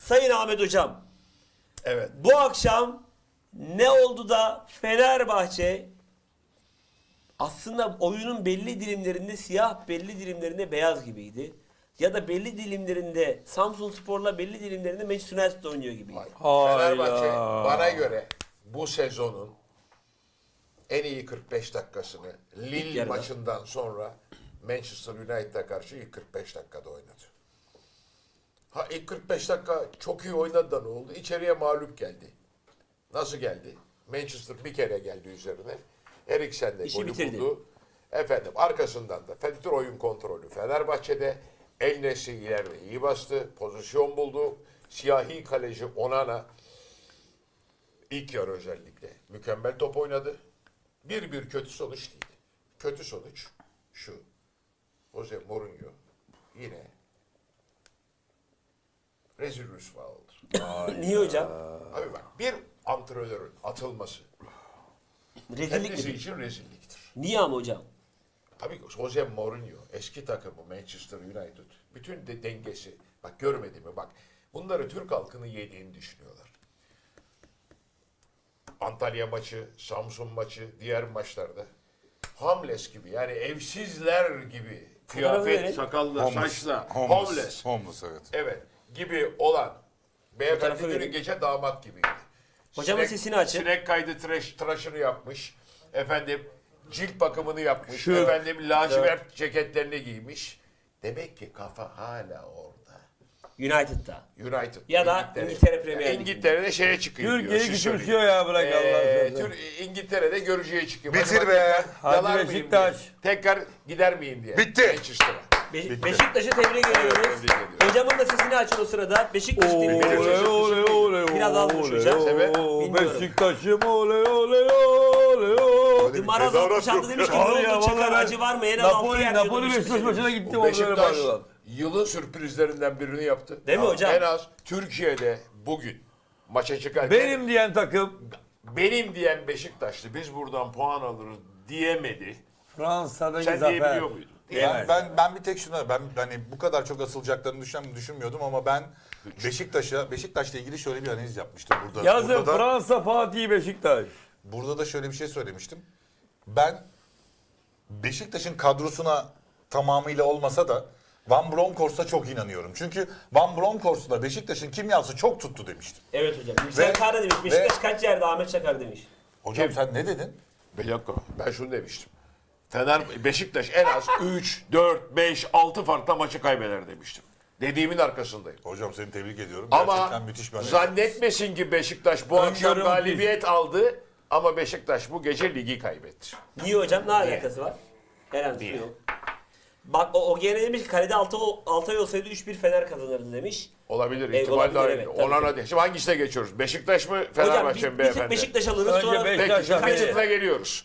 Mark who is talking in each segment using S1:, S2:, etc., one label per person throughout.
S1: Sayın Ahmet Hocam,
S2: Evet.
S1: bu akşam ne oldu da Fenerbahçe aslında oyunun belli dilimlerinde siyah, belli dilimlerinde beyaz gibiydi. Ya da belli dilimlerinde Samsunspor'la belli dilimlerinde Manchester United oynuyor gibiydi.
S2: Fenerbahçe bana göre bu sezonun en iyi 45 dakikasını Lille
S1: yarıda.
S2: maçından sonra Manchester United'a karşı ilk 45 dakikada oynadı. Ha ilk 45 dakika çok iyi oynadı da ne oldu? İçeriye mağlup geldi. Nasıl geldi? Manchester bir kere geldi üzerine. Eriksen de
S1: İşi
S2: golü
S1: bitirdi.
S2: buldu. Efendim arkasından da Fener oyun kontrolü Fenerbahçe'de. El Nesri ileride iyi bastı. Pozisyon buldu. Siyahi kaleci Onana ilk yarı özellikle mükemmel top oynadı. Bir kötü sonuç değil. Kötü sonuç şu. Jose Mourinho yine rezil rüsva oldu.
S1: Niye hocam?
S2: Abi bak bir antrenörün atılması
S1: Rezillik
S2: kendisi
S1: mi?
S2: için rezilliktir.
S1: Niye ama hocam?
S2: Tabii Jose Mourinho eski takımı Manchester United bütün de dengesi bak görmedi mi bak bunları Türk halkını yediğini düşünüyorlar. Antalya maçı, Samsun maçı, diğer maçlarda homeless gibi yani evsizler gibi
S1: Fotoğrafı verin.
S2: kıyafet, sakalla, saçla
S3: Homeless, evet.
S2: evet gibi olan beyefendi
S1: Fotoğrafı
S2: günü
S1: verin.
S2: gece damat gibiydi.
S1: Hocamın sesini açın.
S2: Sinek kaydı tıraşını yapmış. Efendim cilt bakımını yapmış.
S3: Şu-
S2: efendim lacivert ceketlerini giymiş. Demek ki kafa hala orada.
S1: United'da.
S2: United.
S1: Ya da İngiltere Premier Ligi'nde.
S2: İngiltere'de şeye çıkıyor.
S3: Türkiye'yi
S2: diyor, siz
S3: küçümsüyor
S2: söyleyin.
S3: ya bırak Allah'ını seversen.
S2: İngiltere'de görücüye çıkıyor.
S3: Bitir
S2: Hadi
S3: be.
S2: tekrar
S3: Hadi
S2: yalar mıyım
S3: Beşiktaş.
S2: diye. Tekrar gider miyim diye.
S3: Bitti.
S2: Manchester'a.
S1: Beşiktaş'ı tebrik ediyoruz.
S2: tebrik ediyoruz.
S1: Hocamın da sesini açın o sırada. Beşiktaş'ı tebrik
S2: Oley,
S1: ediyoruz.
S2: oley,
S3: oley,
S1: Biraz az konuşacağım.
S2: Sebep?
S3: Beşiktaş'ım oley oley oley oley.
S1: Maraz 66 demiş ki ne
S3: Abi ya,
S1: oldu Çakar
S3: vallahi
S1: acı var mı? En az 6
S3: Napoli,
S1: yer
S3: Napoli
S1: diyordu
S3: Beşiktaş
S1: Beşiktaş'ın.
S3: maçına gittim. Onlara
S2: Beşiktaş
S3: bağırıyorlar.
S2: yılın sürprizlerinden birini yaptı.
S1: Değil mi hocam?
S2: En az Türkiye'de bugün maça çıkarken
S3: Benim diyen takım
S2: benim diyen Beşiktaşlı biz buradan puan alırız diyemedi.
S3: Fransa'daki
S2: Sen
S3: zafer.
S2: diyebiliyor muydun?
S4: Ben bir tek şuna ben hani bu kadar çok asılacaklarını düşünmüyordum ama ben Beşiktaş'la ilgili şöyle bir analiz yapmıştım burada.
S3: Yazın
S4: burada da,
S3: Fransa Fatih Beşiktaş.
S4: burada da şöyle bir şey söylemiştim. Ben Beşiktaş'ın kadrosuna tamamıyla olmasa da Van Bronckhorst'a çok inanıyorum. Çünkü Van Bronckhorst'la Beşiktaş'ın kimyası çok tuttu demiştim.
S1: Evet hocam. Yüksel Kara demiş. Beşiktaş kaç yerde Ahmet Çakar demiş.
S4: Hocam sen ne dedin?
S2: Bir dakika ben şunu demiştim. Beşiktaş en az 3, 4, 5, 6 farklı maçı kaybeder demiştim. Dediğimin arkasındayım.
S4: Hocam seni tebrik ediyorum.
S2: Ama
S4: Gerçekten müthiş bir analiz.
S2: zannetmesin ki Beşiktaş bu akşam
S3: Öngörüm
S2: galibiyet aldı ama Beşiktaş bu gece ligi kaybetti.
S1: Niye hocam? Ne alakası var? Herhangi bir şey yok. Bak o gene demiş ki kalede Altay olsaydı 3-1 Fener kazanırdı demiş.
S2: Olabilir,
S1: Evet,
S2: ihtimal
S1: olabilir,
S2: dahil.
S1: evet, tabii
S2: Onana
S1: ki.
S2: değil. Şimdi hangisine geçiyoruz? Beşiktaş mı,
S1: Hocam
S2: Fenerbahçe mi
S1: bir tek
S2: beyefendi?
S1: Beşiktaş alırız
S3: Önce
S1: sonra
S3: Beşiktaş.
S2: Peki,
S3: Beşiktaş-
S2: Kaçıt'la geliyoruz.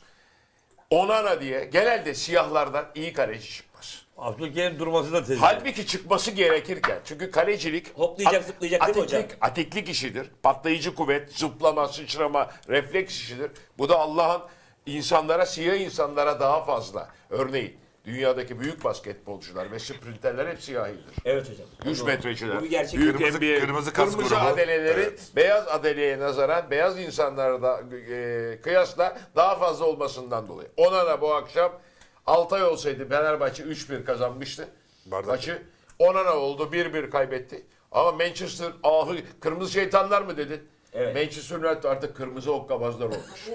S2: Onana diye genelde siyahlardan iyi kaleci çıkmaz.
S3: Abdülkerim durması da tezgah.
S2: Halbuki çıkması gerekirken. Çünkü kalecilik
S1: Hoplayacak, zıplayacak değil mi hocam?
S2: atiklik işidir. Patlayıcı kuvvet, zıplama, sıçrama, refleks işidir. Bu da Allah'ın siyah insanlara daha fazla. Örneğin dünyadaki büyük basketbolcular ve sprinterler hep siyahidir.
S1: Evet hocam.
S2: 100 metreciler.
S1: Bu bir gerçek.
S2: Büyük
S4: Kırmızı-
S2: NBA,
S4: kırmızı kas grubu.
S2: adeleleri
S4: Evet.
S2: beyaz adeleye nazaran beyaz insanlara da kıyasla daha fazla olmasından dolayı. Ona da bu akşam Altay olsaydı Fenerbahçe 3-1 kazanmıştı.
S4: Bardak.
S2: Maçı. Onana oldu 1-1 kaybetti. Ama Manchester kırmızı şeytanlar mı dedin?
S1: Evet.
S2: Manchester United artık kırmızı okkabazlar olmuş.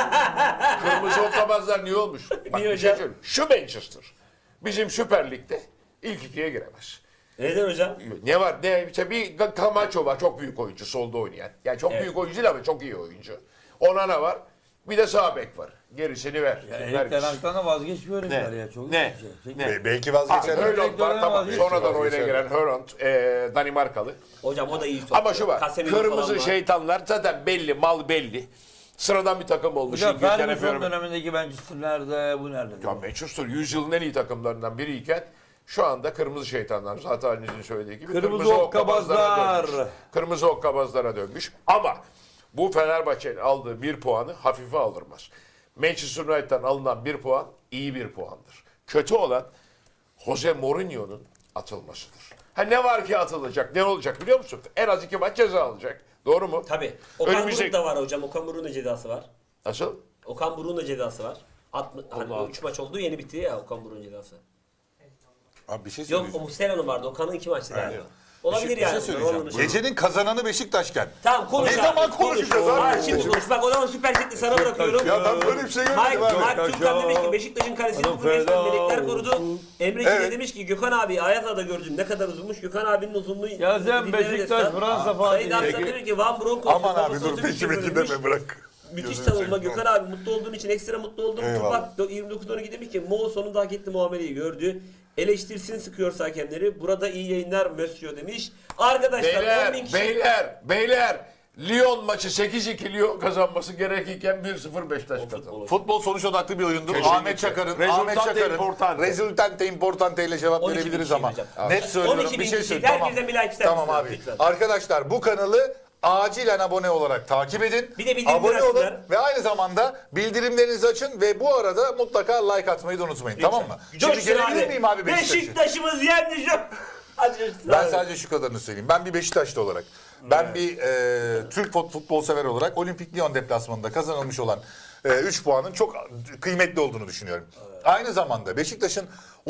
S2: Kırmızı okkabazlar niye olmuş? Bak,
S1: Niye
S2: bir şey
S1: hocam?
S2: söyleyeyim. Şu Manchester bizim Süper Lig'de ilk ikiye giremez.
S1: Neden hocam?
S2: Ne var? İşte bir Camacho var. Çok büyük oyuncu. Solda oynayan. Yani çok
S1: Evet.
S2: büyük oyuncu değil ama çok iyi oyuncu. Onana var. Bir de sağ bek var. Gerisini ver.
S3: Ya
S2: Ver
S3: Erik
S2: gitsin.
S3: Ten Hag'dan vazgeçmiyor herifler ya. Çok
S2: Ne?
S3: iyi bir şey.
S2: Ne?
S4: Belki
S2: Ha,
S4: vazgeçer.
S2: Haaland var tamam.
S3: Belki
S2: Sonradan oyuna
S4: vazgeçer.
S2: giren Haaland, Danimarkalı.
S1: Hocam o da iyi top.
S2: Ama şu var.
S1: Casemiro falan
S2: Kırmızı
S1: var.
S2: şeytanlar zaten belli, mal belli. Sıradan bir takım olmuş.
S3: Hocam
S2: İngiltere
S3: Ferguson
S2: Premier-
S3: dönemindeki Manchester nerede? Bu nerede?
S2: Ya Manchester 100 yılın en iyi takımlarından biriyken şu anda kırmızı şeytanlar zaten halinizin söylediği gibi
S3: Kırmızı okkabazlar.
S2: dönmüş. Kırmızı okkabazlara dönmüş. Ama bu Fenerbahçe'nin aldığı bir puanı hafife alırmaz. Manchester United'dan alınan bir puan iyi bir puandır. Kötü olan Jose Mourinho'nun atılmasıdır. Ha ne var ki atılacak? Ne olacak biliyor musun? En az 2 maç ceza alacak. Doğru mu?
S1: Tabii. Okan
S2: Önümüzdeki-
S1: Buruk da var hocam. Okan Buruk'un da cezası var.
S2: Nasıl?
S1: Okan Buruk'un da cezası var. Hani 3 maç oldu yeni bitti ya Okan Buruk'un cezası.
S4: Abi bir şey
S1: Yok
S4: söyleyeceğim.
S1: o Muslera'nın vardı. Okan'ın 2 maçtı galiba. Olabilir
S4: Bir şey
S1: yani.
S4: söyleyeceğim.
S1: Onun için.
S4: Gecenin kazananı Beşiktaş'ken.
S1: Tamam konuş
S4: Ne
S1: abi,
S4: zaman
S1: konuş.
S4: konuşacağız abi?
S1: Hayır, şimdi konuş. Bak o zaman Süper Chat'i sana bırakıyorum.
S4: Ya ben böyle bir şey
S1: Mike,
S4: görmedim abi.
S1: Mike Türkan demiş ki Beşiktaş'ın kalesini
S3: Adam
S1: bugün resmen
S3: feda
S1: melekler korudu. Emre Çiğ
S4: Evet.
S1: demiş ki Gökhan abi Ayaza'da gördüm ne kadar uzunmuş. Gökhan abinin uzunluğu.
S3: Ya sen
S1: dinlere
S3: Beşiktaş,
S1: destan.
S3: Fransa falan
S1: Sayın
S3: değil.
S1: Arslan demiş ki Van Bronckhorst.
S4: Aman abi dur
S1: babası
S4: peki
S1: otobüs
S4: deme
S1: şoförüymüş.
S4: bırak.
S1: Müthiş
S4: Gözünü
S1: savunma
S4: seveyim.
S1: Gökhan abi mutlu olduğun için ekstra mutlu oldum.
S4: Eyvallah.
S1: Tupak 29-12 demiş ki Mo sonunda hak etti muameleyi gördü. Eleştirsin sıkıyorsa hakemleri. Burada iyi yayınlar Mösyö demiş. Arkadaşlar 10.000 kişi.
S2: Beyler. Lyon maçı 8-2 Lyon kazanması gerekirken 1-0 Beşiktaş kazandı.
S4: Futbol sonuç odaklı bir oyundur.
S2: Kesinlikle.
S4: Ahmet Çakar'ın
S2: Resultante importante.
S4: Resultante importante ile cevap
S1: 12
S4: verebiliriz
S1: bin
S4: ama
S1: hocam.
S4: net söylüyorum
S1: 12
S4: bir
S1: bin
S4: şey
S1: kişi.
S4: söyleyeyim.
S1: Herkesten bir like ister
S4: Tamam
S1: misiniz?
S4: abi.
S1: Lütfen.
S4: Arkadaşlar bu kanalı acilen abone olarak takip edin.
S1: Bir de bildirimleri
S4: abone olun
S1: açsınlar.
S4: ve aynı zamanda bildirimlerinizi açın ve bu arada mutlaka like atmayı da unutmayın. Tamam mı? Şimdi
S1: Coşsun
S4: gelebilir miyim abi Beşiktaş'a?
S1: Beşiktaş'ımız yendi şu. Hadi coşsun
S4: Ben
S1: abi.
S4: sadece şu kadarını söyleyeyim. Ben bir Beşiktaşlı olarak, ben bir Türk futbol sever olarak Olimpik Lyon deplasmanında kazanılmış olan 3 puanın çok kıymetli olduğunu düşünüyorum. Aynı zamanda Beşiktaş'ın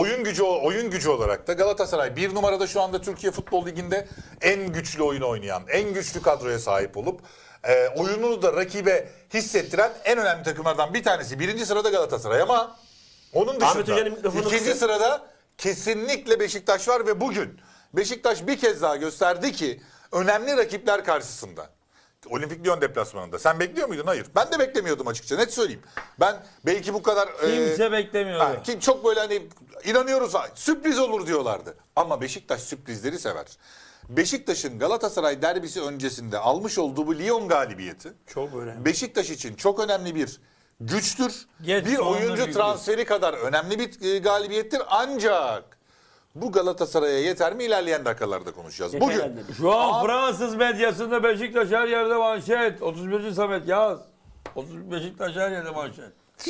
S4: oyun gücü olarak da Galatasaray bir numarada şu anda Türkiye Futbol Ligi'nde en güçlü oyun oynayan, en güçlü kadroya sahip olup oyununu da rakibe hissettiren en önemli takımlardan bir tanesi. Birinci sırada Galatasaray ama onun
S1: Ahmet Hoca'nın
S4: dışında
S1: mikrofonu
S4: ikinci
S1: kısın.
S4: sırada kesinlikle Beşiktaş var ve bugün Beşiktaş bir kez daha gösterdi ki önemli rakipler karşısında. Olimpik Lyon deplasmanında. Sen bekliyor muydun? Hayır. Ben de beklemiyordum açıkça. Net söyleyeyim. Ben belki bu kadar...
S3: Kimse beklemiyordu.
S4: Ki çok böyle hani inanıyoruz sürpriz olur diyorlardı. Ama Beşiktaş sürprizleri sever. Beşiktaş'ın Galatasaray derbisi öncesinde almış olduğu bu Lyon galibiyeti
S3: Çok önemli.
S4: Beşiktaş için çok önemli bir güçtür.
S3: Geç
S4: bir
S3: sonunda
S4: oyuncu
S3: bir
S4: transferi kadar önemli bir galibiyettir. Ancak bu Galatasaray'a yeter mi? İlerleyen dakikalarda konuşacağız.
S1: Yeter
S4: Bugün
S1: herhalde.
S3: Şu an Fransız medyasında Beşiktaş her yerde manşet. 31. Samet yaz. 30 Beşiktaş her yerde manşet.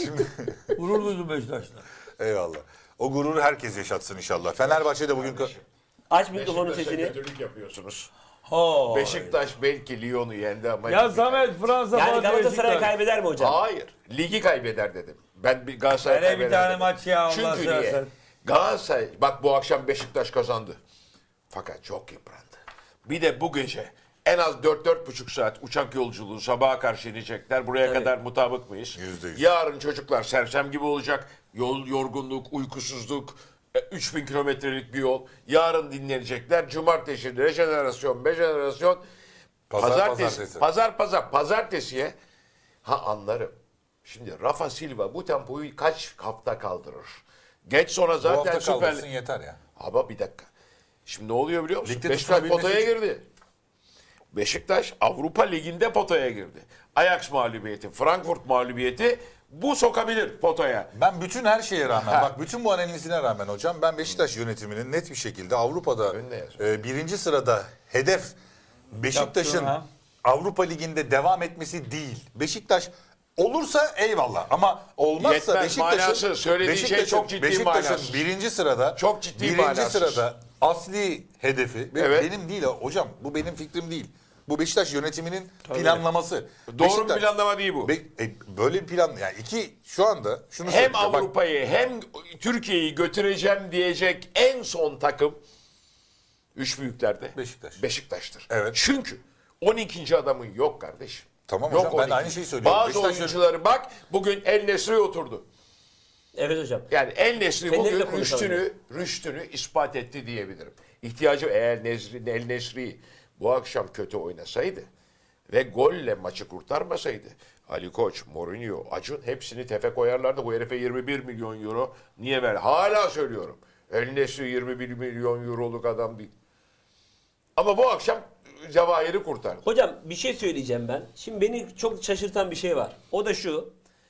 S3: Gurur duydum Beşiktaş'ta.
S4: eyvallah. O gururu herkes yaşatsın inşallah. Fenerbahçe'de bugün
S1: Aç mikrofonun
S2: Beşiktaş'a
S1: sesini.
S2: kötülük yapıyorsunuz.
S3: Ha.
S2: Beşiktaş belki Lyon'u yendi ama...
S3: Ya
S2: ligi
S3: Samet Fransa
S1: Yani
S3: falan
S1: Galatasaray
S3: Beşiktaş.
S1: kaybeder mi hocam?
S2: Hayır. Ligi kaybeder dedim. Ben bir Galatasaray
S3: Hele bir
S2: kaybeder
S3: tane
S2: dedim.
S3: maç ya, Allah
S2: Çünkü niye?
S3: seversen.
S2: Galatasaray bak bu akşam Beşiktaş kazandı. Fakat çok yıprandı. Bir de bu gece en az 4-4,5 saat uçak yolculuğu sabaha karşı inecekler. Buraya
S1: Tabii.
S2: kadar mutabık mıyız?
S4: %100.
S2: Yarın çocuklar sersem gibi olacak. Yorgunluk, uykusuzluk, 3000 kilometrelik bir yol. Yarın dinlenecekler. Cumartesi rejenerasyon, bejenerasyon. Pazartesiye anlarım. Şimdi Rafa Silva bu tempoyu kaç hafta kaldırır? Geç sonra
S4: bu
S2: zaten
S4: hafta
S2: Süper
S4: kaldırsın yeter ya.
S2: Ama bir dakika. Şimdi ne oluyor biliyor musun?
S4: Ligde
S2: Beşiktaş
S4: tutunabilmesi
S2: potaya
S4: için.
S2: girdi. Beşiktaş Avrupa Ligi'nde potaya girdi. Ajax mağlubiyeti, Frankfurt mağlubiyeti bu sokabilir potaya.
S4: Ben bütün her şeye rağmen,
S2: Ha.
S4: bak bütün bu analizine rağmen hocam ben Beşiktaş yönetiminin net bir şekilde Avrupa'da
S2: Önüne yazıyor.
S4: birinci sırada hedef Beşiktaş'ın
S3: Yaptın ha.
S4: Avrupa Ligi'nde devam etmesi değil. Beşiktaş olursa eyvallah ama olmazsa
S2: Yetmez,
S4: Beşiktaş'ın
S2: manasız. Söylediği şey çok ciddi manasız.
S4: Beşiktaş'ın birinci sırada
S2: Çok ciddi
S4: birinci
S2: manasız.
S4: sırada asli hedefi
S2: Evet.
S4: benim değil hocam bu benim fikrim değil. Bu Beşiktaş yönetiminin planlaması.
S2: Doğru bir planlama değil bu.
S4: Böyle bir plan yani şu anda şunu
S2: Hem
S4: söyleyeceğim. Bak,
S2: Avrupa'yı hem Türkiye'yi götüreceğim diyecek en son takım üç büyüklerde
S4: Beşiktaş.
S2: Beşiktaş'tır.
S4: Evet.
S2: Çünkü 12. adamın yok kardeşim.
S4: Tamam
S2: Yok
S4: hocam, ben de
S2: 12.
S4: aynı şeyi söylüyorum.
S2: Bazı
S4: Beşiktaş-
S2: oyuncuları bak bugün El Nesri oturdu.
S1: Evet hocam.
S2: Yani El Nesri
S1: Fener'le
S2: bugün
S1: konuşalım
S2: rüştünü ispat etti diyebilirim. İhtiyacı eğer El Nesri bu akşam kötü oynasaydı ve golle maçı kurtarmasaydı Ali Koç, Mourinho, Acun hepsini tefe koyarlardı. Bu herife 21 milyon euro niye ver? Hala söylüyorum. El Nesri 21 milyon euroluk adam değil. Ama bu akşam Cevahir'i kurtardı.
S1: Hocam bir şey söyleyeceğim ben. Şimdi beni çok şaşırtan bir şey var. O da şu.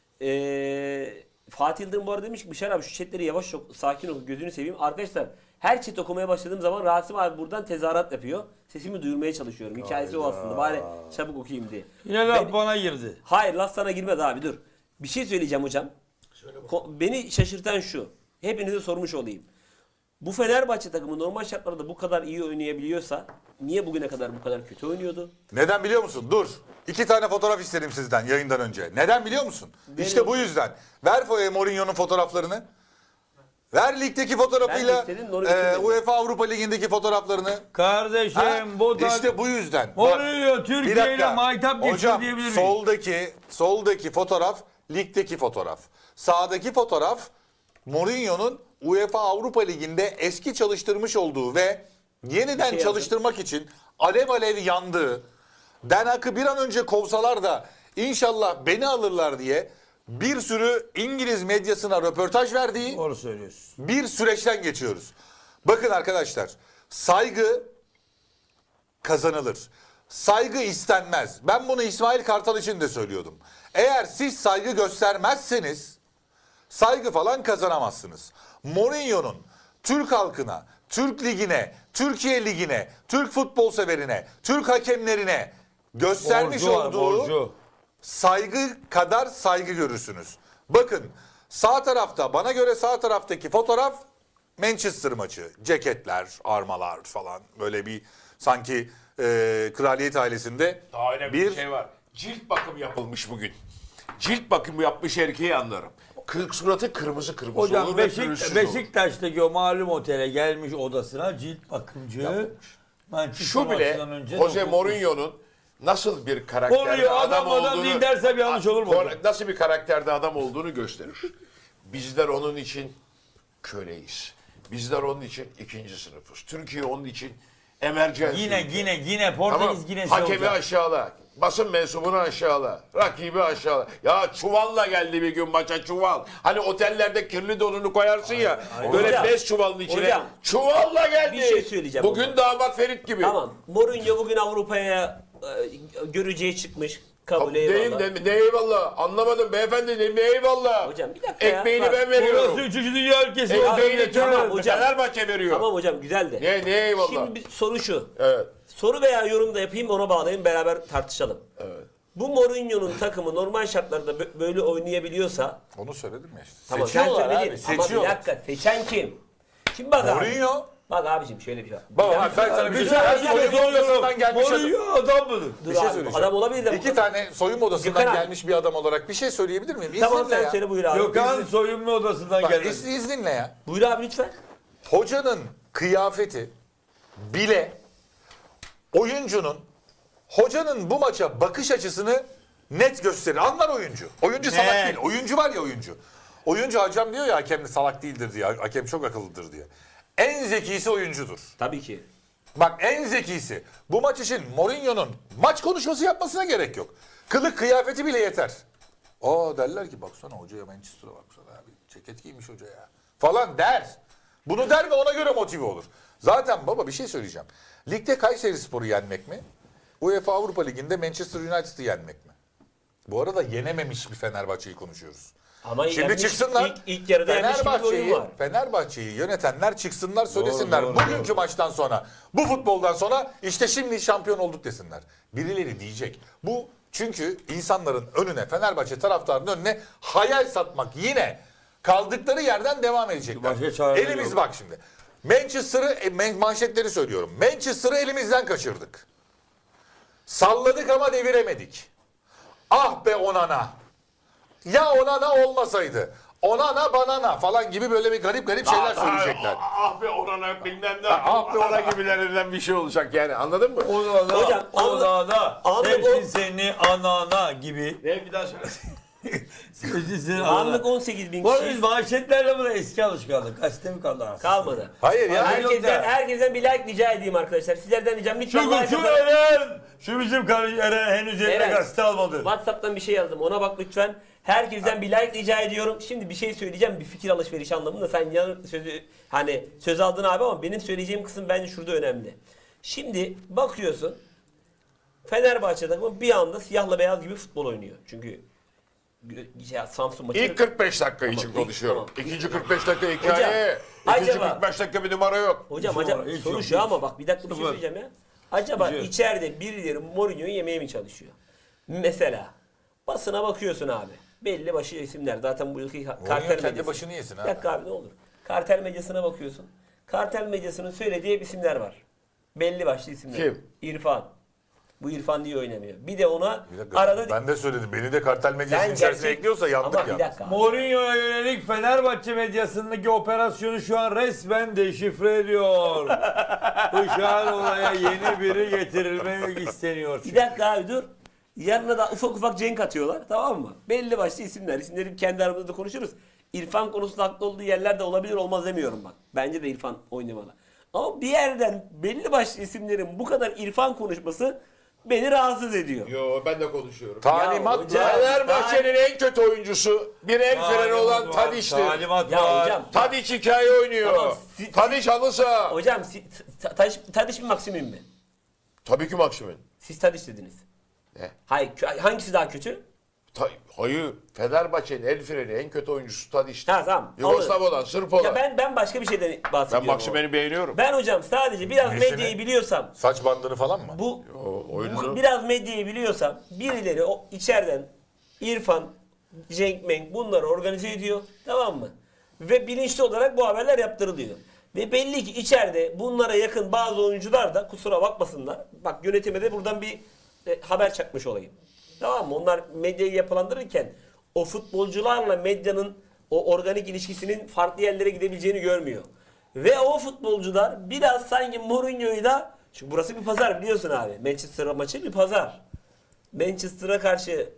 S1: Fatih Yıldırım bu arada demiş ki Bişar abi şu chatleri yavaş sakin oku gözünü seveyim. Arkadaşlar her chat okumaya başladığım zaman Rasim abi buradan tezahürat yapıyor. Sesimi duyurmaya çalışıyorum. Hikayesi o aslında. Bari çabuk okuyayım diye.
S3: Yine laf
S1: Ben-
S3: bana girdi.
S1: Hayır laf sana girmez abi dur. Bir şey söyleyeceğim hocam. Beni şaşırtan şu. Hepinize sormuş olayım. Bu Fenerbahçe takımı normal şartlarda bu kadar iyi oynayabiliyorsa niye bugüne kadar bu kadar kötü oynuyordu?
S4: Neden biliyor musun? Dur. 2 tane fotoğraf istedim sizden yayından önce. Neden biliyor musun? İşte bu yüzden. Ver Mourinho'nun fotoğraflarını. Ver ligdeki fotoğrafıyla
S1: Ben de istedim, onu getirmedim.
S4: UEFA Avrupa Ligi'ndeki fotoğraflarını.
S3: Kardeşim
S4: Ha?
S3: bu da
S4: İşte bu yüzden. Bak,
S3: Mourinho
S4: bir
S3: Türkiye ile
S4: dakika.
S3: maytap geçiyor
S4: Hocam
S3: diyebilir miyim?
S4: soldaki fotoğraf ligdeki fotoğraf. Sağdaki fotoğraf Mourinho'nun UEFA Avrupa Ligi'nde eski çalıştırmış olduğu ve yeniden
S1: şey
S4: çalıştırmak için alev alev yandığı, Den Haag'ı bir an önce kovsalar da inşallah beni alırlar diye bir sürü İngiliz medyasına röportaj verdiği
S3: Doğru söylüyorsun.
S4: bir süreçten geçiyoruz. Bakın arkadaşlar, saygı kazanılır. Saygı istenmez. Ben bunu İsmail Kartal için de söylüyordum. Eğer siz saygı göstermezseniz saygı falan kazanamazsınız. Mourinho'nun Türk halkına, Türk ligine, Türkiye ligine, Türk futbol severine, Türk hakemlerine göstermiş
S3: Borcu var,
S4: olduğu
S3: borcu.
S4: saygı kadar saygı görürsünüz. Bakın sağ tarafta, bana göre sağ taraftaki fotoğraf Manchester maçı. Ceketler, armalar falan, böyle bir sanki kraliyet ailesinde
S2: Daha önemli bir şey var. Cilt bakımı yapılmış bugün. Cilt bakımı yapmış erkeği anlarım. Suratı kırmızı kırmızı
S3: Hocam
S2: olur ve pürüzsüz olur.
S3: Beşiktaş'taki o malum otele gelmiş odasına cilt bakımcı. Manchester
S2: Şu bile
S3: maçından önce
S2: Jose
S3: dokuz-
S2: Mourinho'nun nasıl bir karakterde
S3: Mourinho
S2: adam
S3: adam
S2: olduğunu
S3: değil dersem yanlış olur mu hocam?
S2: nasıl bir karakterde adam olduğunu gösterir. Bizler onun için köleyiz. Bizler onun için ikinci sınıfız. Türkiye onun için emergency.
S3: Yine Portekiz yine
S2: Hakemi aşağıla. Basın mensubunu aşağıla. Rakibi aşağıla. Ya çuvalla geldi bir gün maça, çuval. Hani otellerde kirli donunu koyarsın ya. Böyle
S1: Hocam,
S2: 5 çuvalın içine.
S1: hocam,
S2: çuvalla geldi.
S1: bir şey söyleyeceğim
S2: Bugün
S1: ama.
S2: damat Ferit gibi.
S1: Tamam. Mourinho bugün Avrupa'ya göreceği çıkmış. Kabul eyvallah.
S2: Ne eyvallah. Anlamadım beyefendi, ne eyvallah.
S1: Hocam bir dakika ya.
S2: Ekmeğini
S1: Bak,
S2: ben veriyorum.
S3: Burası 3. Dünya ülkesi.
S2: Ekmeğini
S1: tamam hocam.
S2: Fenerbahçe veriyor.
S1: Tamam hocam güzel de.
S2: Ne eyvallah.
S1: Şimdi bir soru şu.
S2: Evet.
S1: Soru veya yorum da yapayım ona bağlayayım beraber tartışalım.
S2: Evet.
S1: Bu Mourinho'nun takımı normal şartlarda böyle oynayabiliyorsa
S4: Onu söyledim ya işte.
S1: tamam sen
S4: Seçiyorlar
S1: söyledin
S4: abi,
S1: ama bir
S4: seçiyorlar.
S1: dakika seçen kim? Şimdi bak abi.
S4: Mourinho.
S1: Bak abicim şöyle bir şey var.
S4: Bak ben sana bir şey söyleyeyim. Soyunma odasından gelmiş adam.
S3: Mourinho adam mıdır?
S1: Dur
S4: Bir şey
S1: abi,
S4: söyleyeceğim.
S1: adam olabilir de.
S4: 2 tane soyunma odasından
S1: Gökhan abi.
S4: gelmiş bir adam olarak bir şey söyleyebilir miyim?
S1: Tamam
S4: İzninle
S1: sen
S4: ya.
S1: söyle buyur abi.
S3: Gökhan soyunma odasından
S4: Bak,
S3: geldi.
S4: izninle ya.
S1: Buyur abi lütfen.
S4: Hocanın kıyafeti bile hocanın bu maça bakış açısını net gösterir. Anlar oyuncu. Oyuncu salak
S3: Net.
S4: değil. Oyuncu var ya oyuncu. Oyuncu hocam diyor ya hakem de salak değildir diye. Hakem çok akıllıdır diye. En zekisi oyuncudur.
S1: Tabii ki.
S4: Bak en zekisi. Bu maç için Mourinho'nun maç konuşması yapmasına gerek yok. Kılık kıyafeti bile yeter. Aa derler ki baksana hocaya Manchester'a baksana abi. Ceket giymiş hoca ya. Falan der. Bunu der ve ona göre motive olur. Zaten baba bir şey söyleyeceğim. Ligde Kayserispor'u yenmek mi? UEFA Avrupa Ligi'nde Manchester United'ı yenmek mi? Bu arada yenememiş bir Fenerbahçe'yi konuşuyoruz.
S1: Ama
S4: Şimdi
S1: yenmiş,
S4: çıksınlar.
S1: ilk yarıda yenmiş gibi bir oyun var.
S4: Fenerbahçe'yi yönetenler çıksınlar söylesinler.
S3: Doğru,
S4: Bugünkü maçtan sonra, bu futboldan sonra işte şimdi şampiyon olduk desinler. Birileri diyecek. Bu çünkü insanların önüne, Fenerbahçe taraftarının önüne hayal satmak yine kaldıkları yerden devam edecekler.
S3: Başka çareleri
S4: Elimiz
S3: yok.
S4: bak şimdi. Manşetleri söylüyorum. Manchester'ı elimizden kaçırdık. Salladık ama deviremedik. Ah be Onana. Ya Onana olmasaydı. Onana banana falan gibi böyle bir garip şeyler söyleyecekler.
S2: Ah be orana bilmem ne.
S4: Ah be
S2: Ona gibilerinden bir şey olacak yani anladın mı?
S1: Hocam,
S3: Onana,
S1: anlık
S3: sevsin
S1: o-
S3: seni anana gibi.
S2: Ne bir daha söyle.
S3: Sevsin seni
S1: Anlık
S3: anana.
S1: 18 bin
S3: Bu arada biz
S1: kişi
S3: manşetlerle buna eski alışkanlık. Gazete mi kaldı aslında?
S1: kalmadı.
S4: Hayır ya.
S3: Hayır.
S1: Herkesten bir like rica edeyim arkadaşlar. Sizlerden ricam lütfen
S3: Şu
S1: like
S3: şu
S1: atın.
S3: Eren, şu bizim kardeş Eren henüz eline
S1: Eren.
S3: gazete almadı.
S1: WhatsApp'tan bir şey yazdım. Ona bak lütfen. Herkesten bir like rica ediyorum. Şimdi bir şey söyleyeceğim. Bir fikir alışverişi anlamında. Sen söz aldın abi ama benim söyleyeceğim kısım bence şurada önemli. Şimdi bakıyorsun Fenerbahçe takımı bir anda siyahla beyaz gibi futbol oynuyor. Çünkü Samsun maçı.
S2: İlk 45 dakika için
S1: Tamam,
S2: konuşuyorum.
S1: tamam.
S2: İkinci 45 dakika hikaye. İkinci
S1: acaba-
S2: 45 dakika bir numara yok.
S1: Hocam
S3: Hiç
S1: acaba
S3: yok, hiç
S1: soru
S3: yok,
S1: şu
S3: hiç.
S1: ama bak bir dakika bir şey
S3: Sıfır.
S1: söyleyeceğim ya. Acaba
S3: Hiç yok.
S1: içeride birileri Mourinho'yu yemeye mi çalışıyor? Mesela basına bakıyorsun abi. Belli başı isimler. Zaten bu yılki kartel
S4: kendi
S1: medyası.
S4: başını yesin
S1: Bir
S4: ha.
S1: dakika abi ne olur. Kartel medyasına bakıyorsun. Kartel medyasının söylediği isimler var. Belli başlı isimler.
S2: Kim?
S1: İrfan. Bu İrfan niye oynamıyor? Bir de ona
S4: Bir dakika,
S1: arada...
S4: ben de söyledim. Beni de kartel medyasının
S1: Sen
S4: içerisine
S1: gerçek-
S4: ekliyorsa yandık
S1: Ama
S4: ya.
S1: bir dakika.
S3: Mourinho'ya yönelik Fenerbahçe medyasındaki operasyonu şu an resmen deşifre ediyor. Uşağın olaya yeni biri getirilmek isteniyor.
S1: Bir dakika abi dur. Yanına da ufak ufak cenk atıyorlar, tamam mı? Belli başlı isimler. İsimleri kendi aramızda da konuşuruz. İrfan konusunda haklı olduğu yerler de olabilir, olmaz demiyorum bak. Bence de İrfan oynamalı. Ama bir yerden belli başlı isimlerin bu kadar İrfan konuşması beni rahatsız ediyor.
S2: Yo, ben de konuşuyorum.
S4: Talimat
S1: hocam-
S4: var.
S2: Fenerbahçe'nin en kötü oyuncusu bir el freni olan Tadiç'tir.
S3: Talimat
S1: Ya
S3: var.
S1: hocam,
S2: Tadiç hikaye oynuyor.
S1: Tamam,
S2: Tadiç halı saha.
S1: hocam Tadiç mi Maksimim mi?
S2: Tabii ki Maksimin.
S1: Siz Tadiç dediniz.
S2: Ne?
S1: Hayır, hangisi daha kötü?
S2: Hayır. Fenerbahçe'nin el freni en kötü oyuncusu Tadiç'tir.
S1: Ha tamam.
S2: Yugoslav
S1: anladım.
S2: olan, Sırp olan.
S1: Ya ben başka bir şeyden bahsediyorum.
S2: Ben Maksimen'i beğeniyorum.
S1: Ben hocam sadece biraz
S4: Nesini?
S1: medyayı biliyorsam,
S4: Saç bandını falan mı?
S1: bu
S2: oyunu.
S1: biraz medyayı biliyorsam birileri o içeriden İrfan, Cenk Meng bunları organize ediyor, tamam mı? Ve bilinçli olarak bu haberler yaptırılıyor. Ve belli ki içeride bunlara yakın bazı oyuncular da kusura bakmasınlar. Bak yönetime de buradan bir haber çakmış olayım. Tamam mı? Onlar medyayı yapılandırırken o futbolcularla medyanın o organik ilişkisinin farklı yerlere gidebileceğini görmüyor. Ve o futbolcular biraz sanki Mourinho'yu da, çünkü burası bir pazar biliyorsun abi. Manchester maçı bir pazar. Manchester'a karşı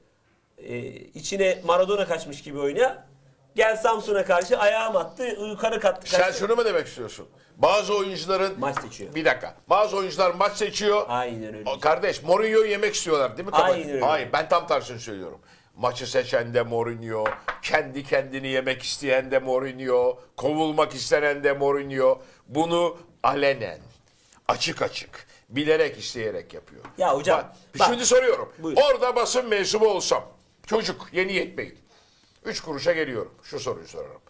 S1: içine Maradona kaçmış gibi oyna. Gel Samsun'a karşı ayağım attı, yukarı kattı.
S2: Sen şunu mu demek istiyorsun? Bazı oyuncuların...
S1: Maç seçiyor.
S2: Bir dakika. Bazı oyuncular maç seçiyor.
S1: Aynen öyle.
S2: Kardeş, Mourinho'yu yemek istiyorlar değil mi?
S1: Aynen öyle.
S2: Hayır, ben tam tersini söylüyorum. Maçı seçen de Mourinho, kendi kendini yemek isteyen de Mourinho, kovulmak istenen de Mourinho. Bunu alenen, açık açık, bilerek isteyerek yapıyor.
S1: Ya hocam,
S2: Bak,
S1: bak.
S2: şimdi soruyorum.
S1: Buyur.
S2: Orada basın mensubu olsam, çocuk yeni yetmeyin. 3 kuruşa geliyorum. Şu soruyu sorarım.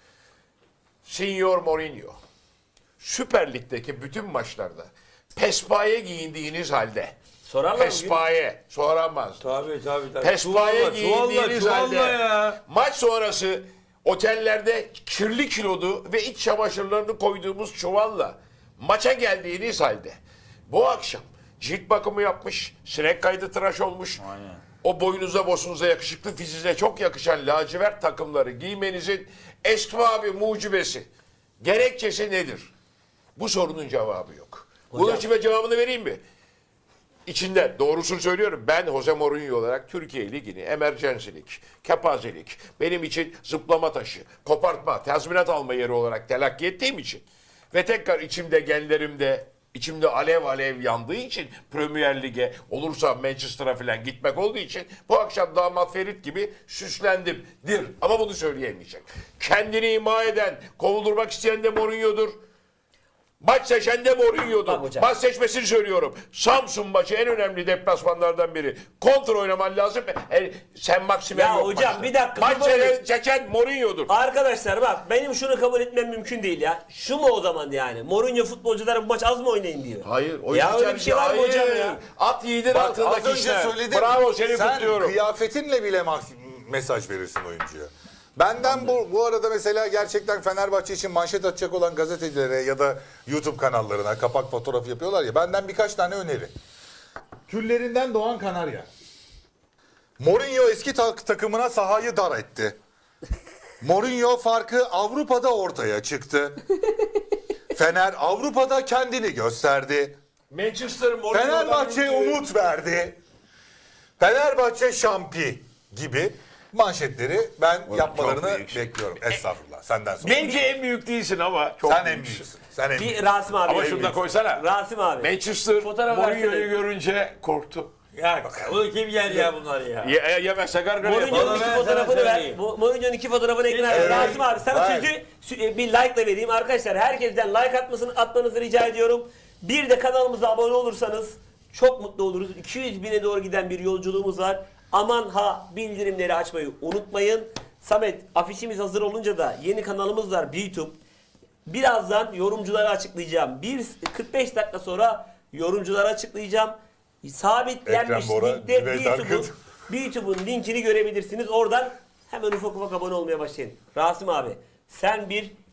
S2: Signor Mourinho, Süper Lig'deki bütün maçlarda pespaye giyindiğiniz halde,
S1: Sorarlar mı?
S2: pespaye soramaz.
S3: Tabii.
S2: Pespaye giyindiğiniz halde
S3: ya.
S2: maç sonrası otellerde kirli kilodu ve iç çamaşırlarını koyduğumuz çuvalla maça geldiğiniz halde bu akşam cilt bakımı yapmış, sinek kaydı tıraş olmuş. O boynunuza bosunuza yakışıklı fiziğe çok yakışan lacivert takımları giymenizin esbabı mucibesi, gerekçesi nedir? Bu sorunun cevabı yok. Bunun için ben cevabını vereyim mi? İçinde doğrusunu söylüyorum. Ben Jose Mourinho olarak Türkiye Ligi'ni emergency'lik, kepazelik, benim için zıplama taşı, kopartma, tazminat alma yeri olarak telakki ettiğim için ve tekrar içimde genlerimde içimde alev alev yandığı için Premier Lig'e olursa Manchester'a falan gitmek olduğu için bu akşam damat Ferit gibi süslendimdir. Ama bunu söyleyemeyecek. Kendini ima eden, kovuldurmak isteyen de Mourinho'dur. Maç seçen de
S1: Bak
S2: Mourinho'dur.
S1: hocam.
S2: Maç seçmesini söylüyorum. Samsun maçı en önemli deplasmanlardan biri. Kontra oynaman lazım. Sen Maksimen
S1: Ya
S2: yok
S1: hocam,
S2: maçta.
S1: bir dakika,
S2: Maç
S1: dur
S2: seçen Mourinho'dur.
S1: Arkadaşlar bak, benim şunu kabul etmem mümkün değil ya. Şu mu o zaman yani? Mourinho futbolculara bu maç az mı oynayın diyor.
S2: Hayır. O
S1: Ya
S2: iş
S1: öyle bir şey var mı
S2: hayır.
S1: hocam ya?
S2: At yiğidin
S4: Bak,
S2: altındaki
S4: az önce
S2: işler.
S4: söyledim.
S2: Bravo, seni
S4: Sen
S2: kutluyorum.
S4: kıyafetinle bile mesaj verirsin oyuncuya. Benden bu arada mesela gerçekten Fenerbahçe için manşet atacak olan gazetecilere ya da YouTube kanallarına kapak fotoğrafı yapıyorlar ya, benden birkaç tane öneri. Küllerinden doğan kanarya. Mourinho eski takımına sahayı dar etti. Mourinho farkı Avrupa'da ortaya çıktı. Fener Avrupa'da kendini gösterdi.
S2: Manchester Mourinho'dan
S4: Fenerbahçe
S2: ülke-
S4: umut verdi. Fenerbahçe şampi gibi manşetleri ben yapmalarını
S2: büyüksün.
S4: bekliyorum. Estağfurullah. Senden sonra.
S2: Bence en büyük değilsin ama çok
S4: Sen en
S2: büyüksün.
S4: büyüksün. Sen en
S1: Bir
S4: büyüksün.
S1: Rasim abi.
S2: Ama şunu da koysana.
S1: Rasim abi.
S2: Manchester
S1: Fotoğraf
S2: Mourinho'yu
S1: versene.
S2: görünce korktu.
S3: Ya bunu kim yer ya bunları ya?
S2: Yemezse gargara
S1: Mourinho'nun
S2: yapar.
S3: Bana
S1: iki
S3: ben
S1: fotoğrafını
S3: sana
S1: ver.
S3: söyleyeyim.
S1: Mourinho'nun iki fotoğrafını ekrana ver.
S3: Evet.
S1: Rasim abi sana
S4: Evet.
S1: sözü bir like ile vereyim. Arkadaşlar herkesten like atmanızı rica ediyorum. Bir de kanalımıza abone olursanız çok mutlu oluruz. 200 bine doğru giden bir yolculuğumuz var. Aman ha, bildirimleri açmayı unutmayın. Samet, afişimiz hazır olunca da yeni kanalımız var YouTube. Birazdan yorumcuları açıklayacağım. 45 dakika sonra yorumcuları açıklayacağım. Sabitlenmiş
S4: Ekrem Bora,
S1: linkte
S4: Cüneyt
S1: YouTube'un linkini görebilirsiniz. Oradan hemen ufak ufak abone olmaya başlayın. Rasim abi, sen bir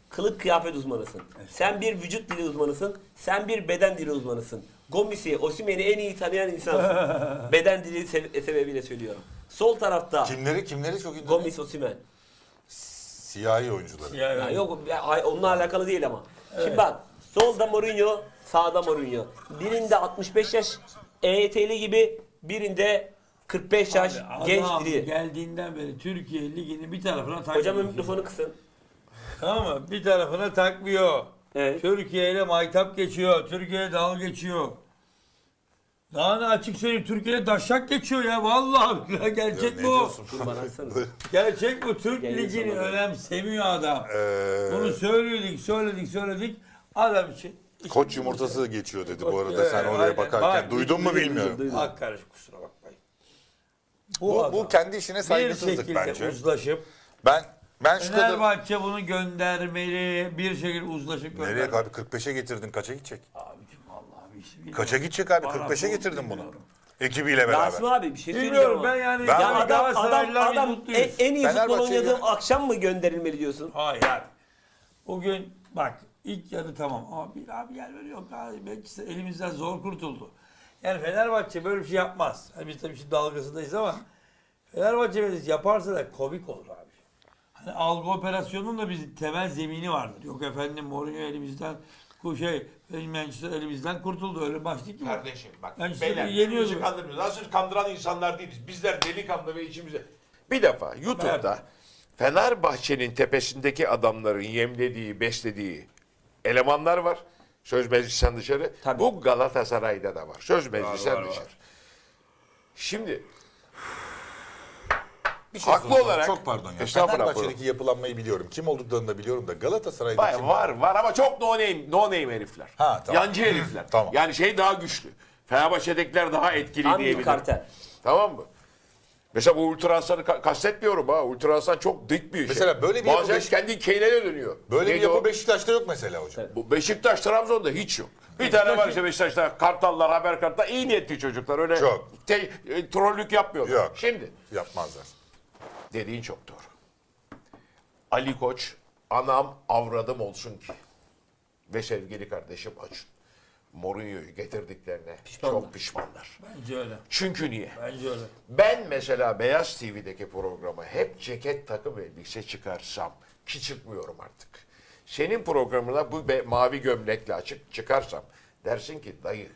S1: kılık kıyafet uzmanısın. Sen bir vücut dili uzmanısın. Sen bir beden dili uzmanısın. Gomis'i, Osimhen'i en iyi tanıyan insansın. Beden dili sebebiyle söylüyorum. Sol tarafta
S4: Kimleri çok iyi.
S1: Gomis, Osimhen.
S4: Siyahi oyuncuları.
S1: Ya yok onunla alakalı değil ama. Şimdi bak solda Mourinho, sağda Mourinho. Birinde 65 yaş EYT'li gibi, birinde 45 yaş genç
S3: Adam
S1: diri.
S3: geldiğinden beri Türkiye Ligi'ni bir tarafına takmıyor.
S1: Hocamın mikrofonu kısın.
S3: Tamam mı? Bir tarafına takmıyor.
S1: Evet.
S3: Türkiye ile maytap geçiyor. Türkiye'ye dalga geçiyor. Daha ne açık söyleyeyim, Türkiye'ye daşak geçiyor ya. Vallahi ya, gerçek
S4: Ne
S3: bu.
S4: diyorsun?
S1: Dur bana atsana.
S3: Gerçek bu. Türk
S1: Yayın
S3: Ligi'ni
S1: sonunda.
S3: önemsemiyor adam. Bunu söyledik. Adam için.
S4: Koç yumurtası geçiyor dedi bu arada
S3: Evet,
S4: sen oraya
S3: aynen.
S4: bakarken.
S3: Bak,
S4: Duydun mu bilmiyorum.
S1: duydum.
S3: Hak karış, kusura bakmayın.
S4: Bu
S3: adam
S4: kendi işine
S3: bir
S4: saygısızlık
S3: şekilde
S4: bence.
S3: uzlaşıp
S4: Ben şu kadar...
S3: Fenerbahçe bunu göndermeli, bir şekilde uzlaşıp
S4: Nereye
S3: göndermeli.
S4: abi 45'e getirdin kaça gidecek?
S3: Abicim Allah'ım işte bilmiyorum.
S4: Kaça gidecek abi?
S3: Bana
S4: 45'e
S3: bu
S4: getirdin bunu.
S3: bilmiyorum.
S4: Ekibiyle beraber.
S1: Rasim abi bir şey söyleyeceğim
S3: Bilmiyorum
S1: ama.
S3: ben yani.
S4: Ben-
S1: Ya adam
S3: Galatasaraylılar biz
S1: adam
S3: mutluyuz.
S1: en iyi futbol
S4: Fenerbahçe'ye
S1: oynadığım
S4: ya.
S1: akşam mı gönderilmeli diyorsun?
S3: Hayır. Bugün bak ilk yarı tamam ama bir abi yer veriyor abi. Belki elimizden zor kurtuldu. Yani Fenerbahçe böyle bir şey yapmaz. Yani biz tabii şimdi dalgasındayız ama Fenerbahçe böyle yaparsa da komik olur abi. Hani algı operasyonunun da bir temel zemini vardır. Yok efendim Mourinho elimizden Manchester elimizden kurtuldu. Öyle maç değil ki.
S2: Kardeşim bak
S3: Ben işte
S2: beyler
S3: yeniyordu.
S2: birbirimizi kandırmıyoruz. Nasıl kandıran insanlar değiliz. Bizler delikanlı ve içimize. Bir defa YouTube'da Fenerbahçe'nin tepesindeki adamların yemlediği, beslediği elemanlar var. Söz meclisten dışarı.
S1: Tabii.
S2: Bu Galatasaray'da da var. Söz meclisten
S3: var,
S2: dışarı.
S3: var.
S2: Şimdi
S4: Bir şey
S2: Haklı
S4: soracağım.
S2: olarak-
S4: Çok pardon ya.
S2: Estağfurullah,
S4: Fenerbahçe'deki yapılanmayı biliyorum. Kim olduklarını da biliyorum da Galatasaray'da
S2: var,
S4: kim?
S2: var ama çok no name herifler.
S4: Ha, tamam.
S2: Yancı herifler.
S4: Tamam.
S2: Yani şey daha güçlü. Fenerbahçe'dekiler daha etkili
S1: Tam bir
S2: diyebilirim.
S1: kartel.
S2: Tamam mı? Mesela bu Ultra Aslan'ı kastetmiyorum ha. Ultra Aslan çok dik bir şey.
S4: Mesela böyle bir yapı
S2: Bazen
S4: Beş-
S2: kendi Keynel'e dönüyor.
S4: Böyle bir
S2: Neydi
S4: yapı
S2: o?
S4: Beşiktaş'ta yok mesela hocam.
S2: Bu Beşiktaş, Trabzon'da hiç yok. Bir tane var işte Beşiktaş'ta Kartallar, Haber Kartal. İyi niyetli çocuklar. Öyle
S4: Çok.
S2: trollük yapmıyorlar.
S4: Yok.
S2: Şimdi
S4: Yapmazlar.
S2: dediğin çok doğru. Ali Koç anam avradım olsun ki ve sevgili kardeşim Acun Mourinho'yu getirdiklerine
S1: Pişmanlar.
S2: çok pişmanlar.
S3: Bence öyle.
S2: Çünkü niye?
S3: Bence öyle.
S2: Ben mesela Beyaz TV'deki programa hep ceket takım elbise çıkarsam ki çıkmıyorum artık. Senin programına bu mavi gömlekle açık çıkarsam dersin ki dayı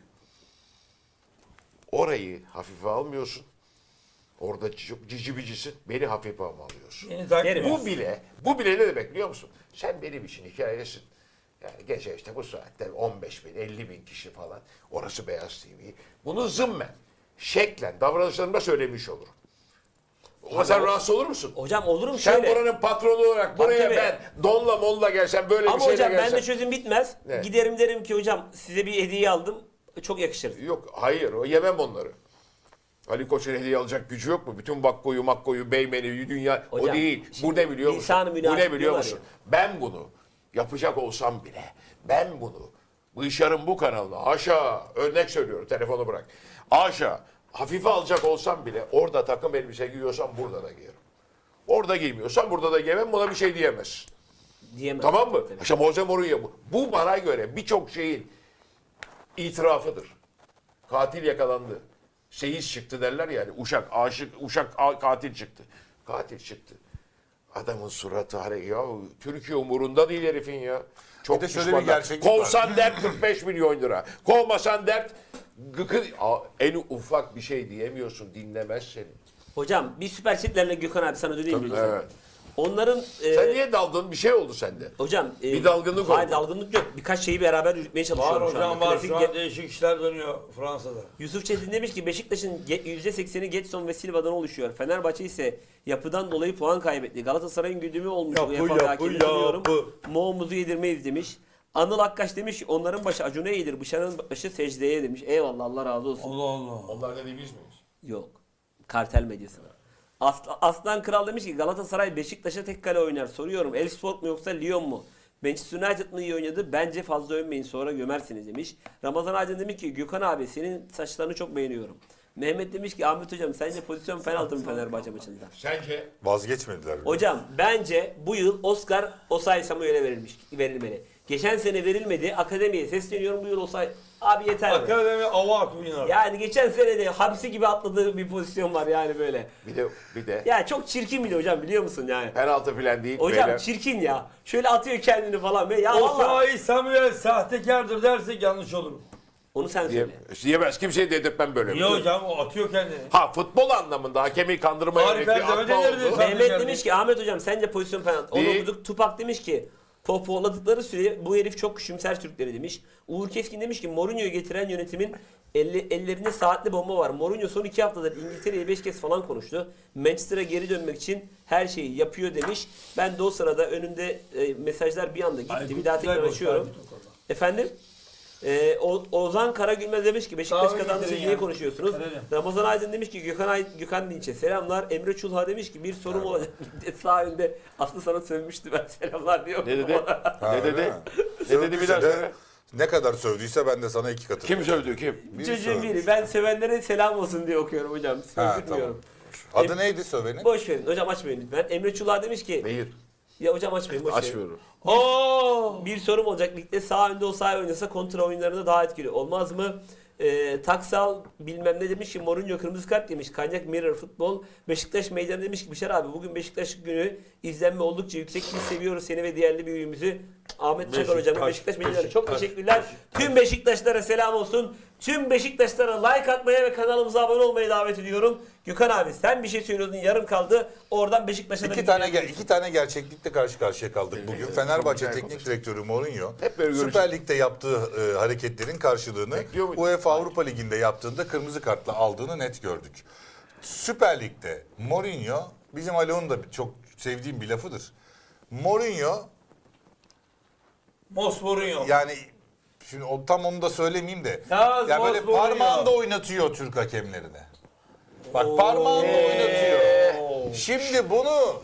S2: orayı hafife almıyorsun. Orada çok cici bicisin. Beni hafife alıyorsun.
S3: Yeni takip
S1: Derim.
S2: Bu bile ne demek biliyor musun? Sen benim için hikayesin. Yani gece işte bu saatte 15 bin, 50 bin kişi falan. Orası Beyaz TV. Bunu zımmen, şeklen, davranışlarımda söylemiş olurum. Ama sen rahatsız olur musun?
S1: Hocam olurum
S2: Sen
S1: şöyle.
S2: buranın patronu olarak buraya
S1: tabii.
S2: ben donla molla gelsem böyle
S1: Ama
S2: bir şeyle
S1: hocam
S2: gelsem.
S1: bende çözüm bitmez.
S2: Ne?
S1: Giderim derim ki hocam size bir hediye aldım. Çok yakışır.
S2: Yok hayır o yemem onları. Ali Koç'un hediye alacak gücü yok mu? Bütün Makko'yu, Beymen'i, dünya o
S1: Hocam,
S2: değil. Bu
S1: şimdi
S2: ne biliyor musun?
S1: lisan-ı
S2: Bu ne
S1: münasip
S2: biliyor
S1: diyorlar
S2: musun?
S1: ya.
S2: Ben bunu yapacak olsam bile ben bunu Bışar'ın bu kanalına aşağı örnek söylüyorum telefonu bırak. Aşağı hafife alacak olsam bile orada takım elbise giyiyorsam burada da giyerim. Orada giymiyorsam burada da giymem buna bir şey diyemezsin.
S1: Diyemez.
S2: Tamam mı?
S1: Tabii.
S2: İşte Jose Mourinho bu. Bu bana göre birçok şeyin itirafıdır. Katil yakalandı. Seyis çıktı derler yani. Uşak katil çıktı. Katil çıktı. Adamın suratı ya Türkiye umurunda değil herifin ya. Çok
S4: Bir de şöyle
S2: pişmanlar.
S4: bir gerçeklik var.
S2: Kovsan dert 45 milyon lira. Kovmasan dert en ufak bir şey diyemiyorsun. Dinlemez seni.
S1: Hocam bir süper chatlerle Gökhan abi sana döneyim mi? lütfen?
S2: Evet.
S1: Onların
S2: Sen niye daldın? Bir şey oldu sende.
S1: hocam
S2: Bir dalgınlık
S1: hayır,
S2: oldu.
S1: dalgınlık yok. Birkaç şeyi beraber yürütmeye çalışıyorum
S3: Var
S1: şu
S3: hocam
S1: anda.
S3: var.
S1: Klasik
S3: Şu an değişik işler dönüyor Fransa'da.
S1: Yusuf Çetin demiş ki Beşiktaş'ın %80'i Getson ve Silva'dan oluşuyor. Fenerbahçe ise yapıdan dolayı puan kaybetti. Galatasaray'ın güdümü olmuş. UEFA hakemini tanıyorum. Moğumuzu yedirmeyiz demiş. Anıl Akkaş demiş ki onların başı Acun'a eğilir. Bışar'ın başı secdeye demiş. Eyvallah Allah razı olsun.
S3: Allah Allah.
S2: Onlar dediğimiz miyiz?
S1: Yok. Kartel medyasına. Aslan Kral demiş ki Galatasaray Beşiktaş'a tek kale oynar. Soruyorum Elfsport mu yoksa Lyon mu? Manchester United mı iyi oynadı? Bence fazla övmeyin sonra gömersiniz demiş. Ramazan Aydın demiş ki Gökhan abi senin saçlarını çok beğeniyorum. Mehmet demiş ki Ahmet hocam sence pozisyon penaltı mı Fenerbahçe maçında?
S2: Sence?
S4: Vazgeçmediler.
S1: Hocam bence bu yıl Oscar Osayi Samuel'e verilmeli. Geçen sene verilmedi. Akademiye sesleniyorum bu yıl Osayi. Abi yeter.
S3: Akademi ava oynar.
S1: Yani geçen sene de hapsi gibi atladığı bir pozisyon var yani böyle.
S2: Bir de
S1: Ya çok çirkin bir de hocam biliyor musun yani?
S2: penaltı falan değil.
S1: Hocam
S2: beyler.
S1: çirkin ya. Şöyle atıyor kendini falan. Ya vallahi
S3: Osayi Samuel sahtekardır dersek yanlış olur.
S1: onu sen söyle.
S2: Diyemez. Kimseye dedirtmem böyle.
S3: Niye hocam? O atıyor kendini.
S2: Ha futbol anlamında hakemi kandırmaya
S3: Arif
S2: yönelik bir
S3: Erdem'e
S2: atma
S3: denirdi
S2: oldu.
S3: sen.
S1: Mehmet demiş ki Ahmet hocam sence pozisyon penaltı. Onu
S2: Değil.
S1: okuduk. Tupak demiş ki pohpohladıkları süre bu herif çok küçümser Türkleri demiş. Uğur Keskin demiş ki Mourinho'yu getiren yönetimin ellerinde saatli bomba var. Mourinho son 2 haftadır İngiltere'ye 5 kez falan konuştu. Manchester'a geri dönmek için her şeyi yapıyor demiş. Ben de o sırada önümde mesajlar bir anda gitti.
S3: Aykut
S1: bir daha
S3: güzel
S1: tekrar
S3: gol
S1: açıyorum.
S3: verdi Tukal'a.
S1: Efendim? Ozan Karagülmez demiş ki Beşiktaş
S3: Abi
S1: kazandı siz
S3: getirin
S1: niye
S3: ya.
S1: konuşuyorsunuz?
S3: Verelim.
S1: Ramazan Aydın demiş ki Gökhan Dinç'e selamlar. Emre Çulha demiş ki bir sorum olacak. Sağ önde Aslı sana sövmüştü ben selamlar diyor.
S2: Ne dedi?
S4: Ha,
S2: Ne
S4: öyle
S2: dedi?
S4: mi?
S2: Ne dedi bir daha
S4: Sövdüyse de
S2: söyle.
S4: Ne kadar sövdüyse ben de sana 2 katı.
S2: Kim sövdü kim?
S1: Çocuğun
S4: sövmüş.
S1: biri. Ben sevenlere selam olsun diye okuyorum hocam.
S4: Ha,
S1: Sövdürmüyorum.
S4: Adı neydi sövenin?
S1: Boş verin. Hocam açmayın lütfen. Emre Çulha demiş ki
S2: Nehir.
S1: ya hocam açmayın boş verin.
S2: Açmıyorum.
S3: Oo!
S1: Bir sorum olacak. Ligde sağ önde o sağ oynasa kontra oyunlarında daha etkili olmaz mı? Taksal bilmem ne demiş ki Mourinho kırmızı kart demiş. Kanyak Mirror Futbol. Beşiktaş meydanı demiş ki Bişar abi bugün Beşiktaş günü izlenme oldukça yüksek. Biz seviyoruz seni ve diğerli büyüğümüzü. Ahmet Çakar hocamın Beşiktaş milyoner. Çok teşekkürler. Tüm Beşiktaşlara selam olsun. Tüm Beşiktaşlara like atmaya ve kanalımıza abone olmayı davet ediyorum. Gökhan abi sen bir şey söylüyordun yarım kaldı. Oradan Beşiktaş'a da
S4: İki tane gerçeklikle karşı karşıya kaldık bugün. Fenerbahçe
S2: güzel
S4: Teknik Direktörü Mourinho
S2: Hep böyle
S4: Süper Lig'de yaptığı hareketlerin karşılığını
S2: Bekliyor muydun?
S4: UEFA Avrupa Ligi'nde yaptığında kırmızı kartla aldığını net gördük. Süper Lig'de Mourinho, bizim Alon'un da çok sevdiğim bir lafıdır. Mourinho
S3: Mourinho.
S4: yani şimdi tam onu da söylemeyeyim de
S3: Ya,
S4: ya böyle
S3: Mourinho.
S4: parmağında oynatıyor Türk hakemlerine. Bak parmağında oynatıyor. Şimdi bunu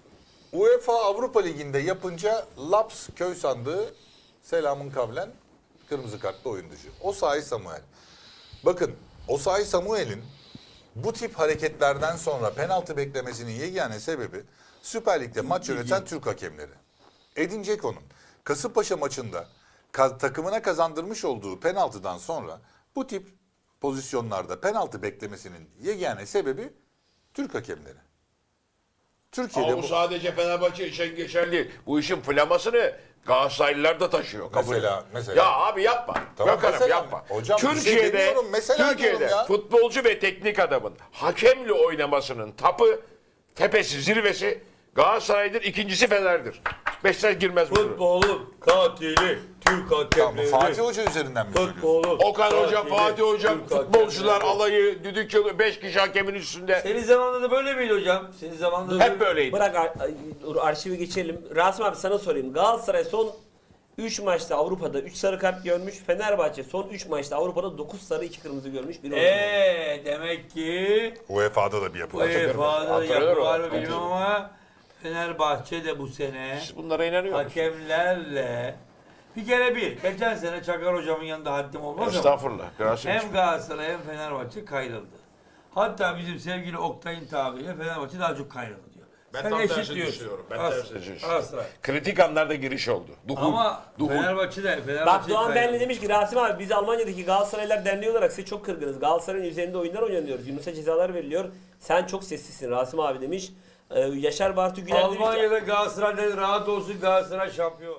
S4: UEFA Avrupa Ligi'nde yapınca Laps köy sandığı selamın kavlen kırmızı kartlı oyun dışı. Osayi Samuel. Bakın Osayi Samuel'in bu tip hareketlerden sonra penaltı beklemesinin yegane sebebi Süper Lig'de maç yöneten Türk hakemleri. Edin Dzeko'nun Kasımpaşa maçında takımına kazandırmış olduğu penaltıdan sonra bu tip pozisyonlarda penaltı beklemesinin yegane sebebi Türk hakemleri. Türkiye'de
S2: Ama bu sadece Fenerbahçe için geçerli değil. Bu işin flamasını Galatasaraylılar da taşıyor. Kabul.
S4: Mesela.
S2: Ya abi yapma.
S4: Tamam,
S2: Gökhan'ım
S4: mesela.
S2: yapma.
S4: Hocam bir şey
S2: Türkiye'de,
S4: demiyorum, mesela
S2: Türkiye'de
S4: diyorum ya.
S2: futbolcu ve teknik adamın hakemle oynamasının tapı, tepesi, zirvesi Galatasaray'dır, ikincisi Fener'dir. Beşiktaş girmez bu.
S3: Futbolun katili Türk
S4: Tamam,
S3: hakemleri.
S4: Fatih Hoca üzerinden mi söylüyorsun?
S3: Futbolun
S2: Okan Hoca,
S3: katili
S2: Fatih Hoca,
S3: Türk
S2: futbolcular
S3: hakemleri.
S2: alayı, düdük çalıyor, 5 kişi hakemin üstünde.
S3: Senin zamanında da böyle miydi hocam? Senin zamanında
S2: Hep böyleydi.
S1: Bırak arşivi geçelim. Rasim abi sana sorayım. Galatasaray son 3 maçta Avrupa'da 3 sarı kart görmüş. Fenerbahçe son 3 maçta Avrupa'da 9 sarı 2 kırmızı görmüş. Bir
S3: demek ki
S4: UEFA'da da bir yapı var.
S3: UEFA'da
S2: Hatırlıyorum.
S3: yapı var mı bilmem ama Fenerbahçe de bu sene
S2: Siz bunlara inanıyor musunuz?
S3: hakemlerle bir kere geçen sene Çakar hocamın yanında haddim olmaz ama
S2: Estağfurullah. Rasim
S3: hem Galatasaray hem Fenerbahçe kayrıldı. Hatta bizim sevgili Oktay'ın tabiriyle Fenerbahçe daha çok kayrıldı diyor.
S2: Ben
S3: Sen
S2: tam
S3: eşit
S2: tersini
S3: diyorsun.
S2: düşünüyorum. Ben
S3: As-
S2: tersini düşünüyorum.
S3: Galatasaray.
S2: Kritik anlarda giriş oldu.
S3: Ama Fenerbahçe
S1: Bak Doğan
S3: kayrıldı.
S1: Benli demiş ki Rasim abi biz Almanya'daki Galatasaraylar Derneği olarak size çok kırgınız. Galatasaray'ın üzerinde oyunlar oynanıyoruz. Yunus'a cezalar veriliyor. Sen çok sessizsin Rasim abi demiş. Yaşar Bartu Güler demiş ki
S3: Almanya'da Galatasaray'da rahat olsun Galatasaray şampiyon.